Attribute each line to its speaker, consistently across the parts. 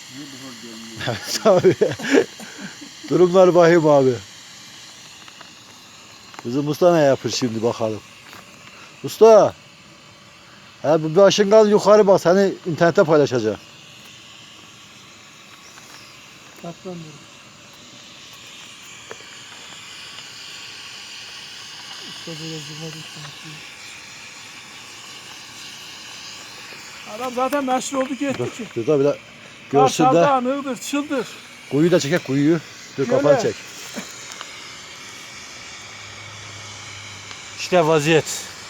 Speaker 1: Evet abi. Durumlar vahim abi. Bizim usta ne yapır şimdi bakalım. Usta. Bir başın kal yukarı bak, seni internette paylaşacağım.
Speaker 2: Katlanıyorum. Usta böyle zırhları konuşuyor. Adam zaten meşhur oldu gitti ki.
Speaker 1: Dur da bir de görsün de.
Speaker 2: Kartal'da Iğdır, Çıldır.
Speaker 1: Kuyu da çekek, kuyuyu. Dur
Speaker 2: Şöyle.
Speaker 1: kafanı çek.
Speaker 3: İşte vaziyet.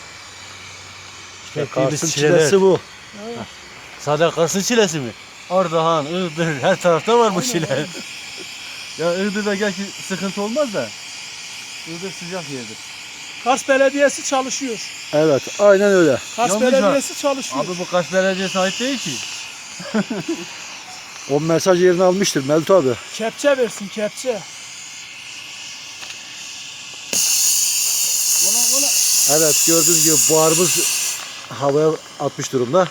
Speaker 3: İşte
Speaker 1: Kars'ın
Speaker 3: çileler.
Speaker 1: çilesi bu.
Speaker 2: Evet.
Speaker 3: Sadece Kars'ın çilesi mi? Ardahan, Iğdır, her tarafta var bu
Speaker 2: Aynen,
Speaker 3: çile.
Speaker 2: aynen.
Speaker 3: Ya Iğdır'da gerçi sıkıntı olmaz da. Iğdır sıcak yerdir.
Speaker 2: Kars Belediyesi çalışıyor.
Speaker 1: Evet, aynen öyle.
Speaker 2: Kars
Speaker 3: Yanlış
Speaker 2: Belediyesi çalışıyor.
Speaker 3: Abi bu Kars Belediyesi'ne ait değil ki.
Speaker 1: O mesaj yerini almıştır Mevlüt abi.
Speaker 2: Kepçe versin, kepçe. Ola.
Speaker 1: Evet, gördüğünüz gibi buharımız havaya atmış durumda.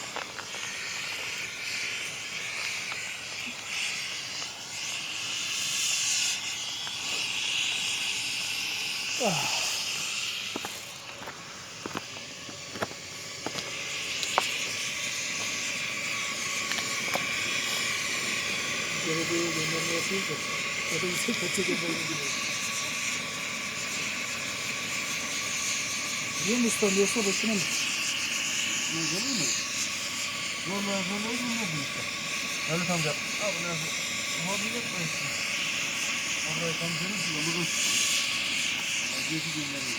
Speaker 2: Belediyeye göndermesi yok da. Ya da bize kepçe göndermesi. Biliyor musun ustam, yoksa boşuna mı?
Speaker 3: Ne görür mü? Normal sonra olur mu işte? Evet amca. Abi ne yapayım? Muhabbet etmeyin. Orayı tam görürsün ya bunu. Vaziyeti gönderiyor.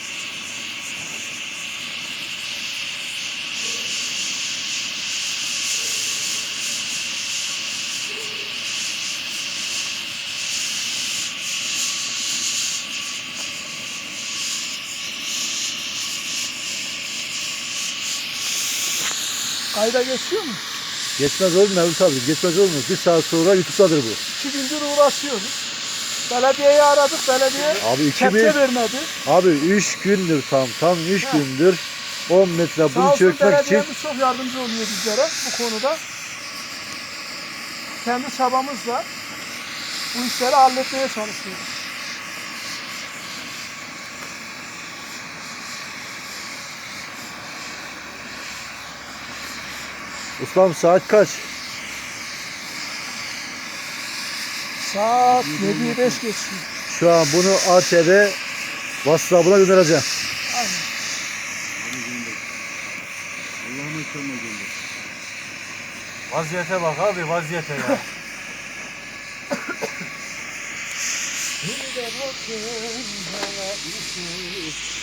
Speaker 2: Kayda geçiyor mu?
Speaker 1: Geçmez olur mu Mevlüt abi? Geçmez olur mu? Bir saat sonra YouTube'dadır bu.
Speaker 2: 2 gündür uğraşıyoruz. Belediyeyi aradık, belediye
Speaker 1: Abi
Speaker 2: kepçe vermedi.
Speaker 1: Abi 3 gündür tam 3
Speaker 2: He.
Speaker 1: gündür 10 metre
Speaker 2: Sağ
Speaker 1: bunu
Speaker 2: olsun
Speaker 1: çökmek için.
Speaker 2: belediyemiz çok yardımcı oluyor bizlere bu konuda. Kendi çabamızla bu işleri halletmeye çalışıyoruz.
Speaker 1: Ustam saat kaç?
Speaker 2: Saat 7'yi 5 geçiyor.
Speaker 1: Şu an bunu ATV WhatsApp'ına göndereceğim.
Speaker 2: Aynen.
Speaker 3: Allah'ıma körme gönder. Vaziyete bak abi, vaziyete ya. Bir de bakın bana